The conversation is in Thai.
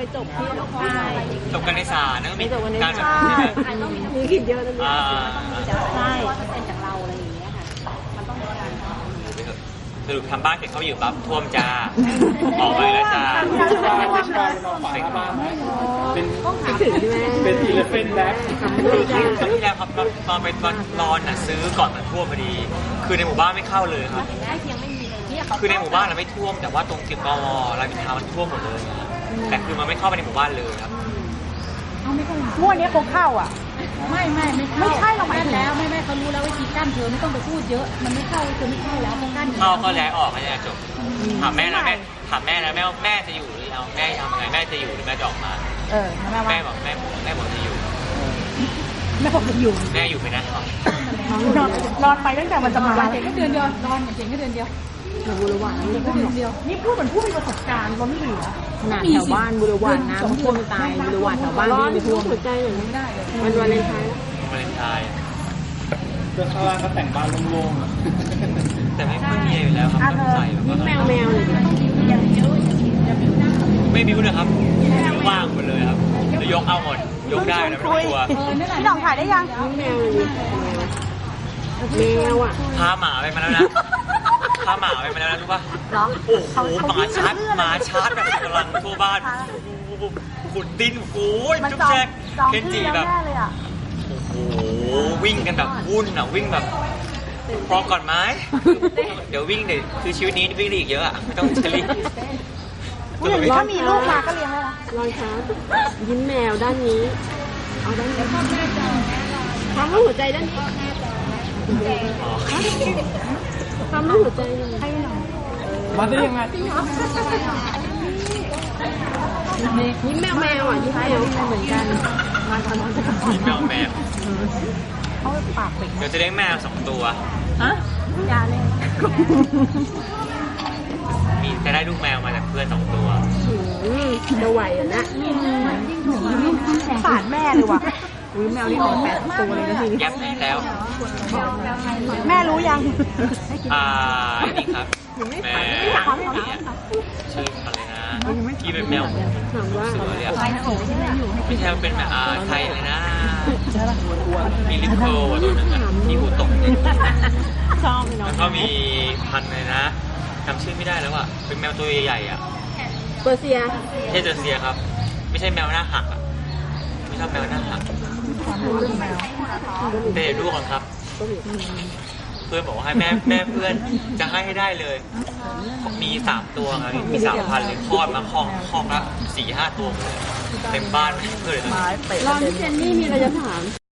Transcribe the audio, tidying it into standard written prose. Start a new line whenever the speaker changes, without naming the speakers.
จบที่ใช่
จบกันในศาลนะมีการแบบ
มีคิดเยอะนะ
ใช่เป็นจากเราอะไรอย่างเงี้ยค่ะมันต้องมีการ
สรุปทำบ้านเสร็จเขาอยู่ปั๊บท่วมจ้าออกไปแล้วจ้า
เป็นอีเลฟเฟนแบ็ค
ครั้งที่แล้วครับตอนไปนอนน่ะซื้อก่อนมันท่วมพอดี คือในหมู่บ้านไม่เข้าเลยครับคือในหมู่บ้านเราไม่ท่วมแต่ว่าตรงจิตกวรามอินทรามันท่วมหมดเลยแต่คือมันไม่เข้าไปในหมู่บ้านเลยครับ
งวดนี้คงเข้าอ่ะ
ไม่ใช่เราแม่แล้วแม่เขารู้แล้ววิธีกั้นเธอไม่ต้องไปพูดเยอะมันไม่เข้าคือไม่เข้าแล้วเขากั้น
เข้าแล้วออกให้จบถามแม่นะแม่จะอยู่หรือเอาแม่ทำไงแม่จะอยู่หรือแม่จะออกมาแม่บอกแม่จะอยู่
แม่บอกจะอยู่
แม่อยู่ไปนะ
นอนไปตั้งแต่มันจะมา
เจ๋งแค่เดือนเดียวนอนเจ๋งแค่เดือนเดียว
บุรวานนี่ก็เดือนเดียว
นี่พูดเหมือนผู้มีประสบการณ์เราไม่เหลือ
ขนาดแถวบ้านบุรวานน้ำท่วมตายบุรวานแถวบ้านไม่ท่วมหัวใจอย่างนี้ได้วันวาเลนไทน์
เพื่อนข้างล่างก็แต่งบ้านโล่ง
ๆแต่ไม่ค่อยมีอยู่แล้วครับต้องใส่แล้วก็
แมวเลย
ไม่บิ้วเลยครับว่างหมดเลยครับจะยกเอาหมดยกได้นะไม่ต้องกลัว
พี่หน่องถ่ายได้ยัง
แมวเลยแมวอ่ะ
พาหมาไปมาแล้วนะพาหมาไปมาแล้วนะรู้ป่ะโอ้โหหมาชาร์จแบบกำลังทั่วบ้านขุดดินโอ้ยจุ๊บแจ๊กเคนจิแบบโอ้โหวิ่งกันแบบวุ่นอ่ะวิ่งแบบพอก่อนไหมเดี๋ยววิ่งเดี๋ยวคือชีวิตนี้วิ่งอีกเยอะอ่ะไม่ต้องจะรีบ
ถ้ามีลูกมาก็เลี้ยงได้ละ
รอยเท้ายิ้มแมวด้านนี้เอาด้านนี้ทำให้หัวใจด้านนี้ทำให้หัวใจให้หน่อย
มาได้ยังไง
ยิ้มแมวอ่ะยิ้มแมวเหมือนกันมาทำน้องจะกลับ
ยิ้มแมว
เขาปากเป็ด
เดี๋ยวจะเลี้ยงแมว2 ตัว
ฮะยาเล่น
มีจะได้ลูกแมวมาจากเพื่อน2 ตัว
จะไหวอ่ะนะ
ฝาดแม่เลยว่ะแมวนี่ของ8 ตัวเลยนะที
แยบแล้ว
แม่รู้ยัง
นี่ครับแม่ชื่ออะไรนะที่เป็นแมวเสือเลยไม่ใช่เป็นแบบไทยเลยนะมีลิปโคตัวนึงที่หูตก
ชอบ
แล้วก็มีพันเลยนะจำชื่อไม่ได้แล้วอ่ะเป็นแมวตัวใหญ่ๆอ่ะ
เปอร์เซีย
ไม่ใช่เปอร์เซียครับไม่ใช่แมวหน้าหักอ่ะไม่ชอบแมวหน้าหักเดี๋ยวดูก่อนครับเพื่อนบอกว่าให้แม่เพื่อนจะให้ได้เลยมี3 ตัวครับมี3,000เลยคลอดมาคอกละ4-5 ตัวเต็มบ้านเพื่อนเลย
รอนพี่เจนนี่มีอะไรจะถาม